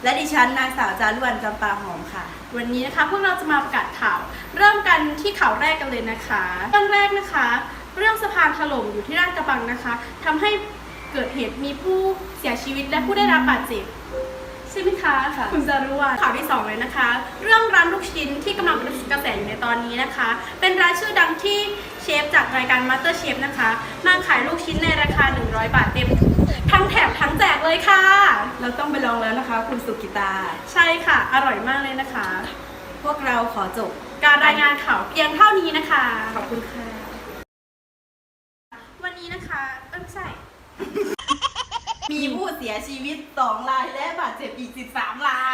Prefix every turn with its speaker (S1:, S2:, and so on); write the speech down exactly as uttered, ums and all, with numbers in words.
S1: และดิฉันนางสาวจารุวรรณจำปาหอมค่ะ
S2: วันนี้นะคะพวกเราจะมาประกาศข่าว เริ่มกันที่ข่าวแรกกันเลยนะคะเรื่องแรกนะคะ เรื่องสะพานถล่มอยู่ที่ลาดกระบังนะคะทำให้เกิดเหตุมีผู้เสียชีวิตและผู้ได้รับบาดเจ็บใช่ไหมคะค่ะคุณจารุวรรณข่าวที่สองเลยนะคะ เรื่องร้านลูกชิ้นที่กำลังเป็นกระแสอยู่ในตอนนี้นะคะ เป็นร้านชื่อดังที่เชฟจากรายการ Master Chef นะคะมาขายลูกชิ้นในราคาหนึ่งร้อยบาทเต็มทั้งแถมทั้งแจกเลยค่ะ
S1: เราต้องไปลองแล้วนะคะคุณสุกิตา
S2: ใช่ค่ะอร่อยมากเลยนะคะ
S1: พวกเราขอจบ
S2: การรายงานข่าวเพียงเท่านี้นะคะ
S1: ขอบคุณค่ะ
S2: วันนี้นะคะเอ้ยไม่ใช่
S1: มีผู้เสียชีวิตสองรายและบาดเจ็บอีกสิบสามราย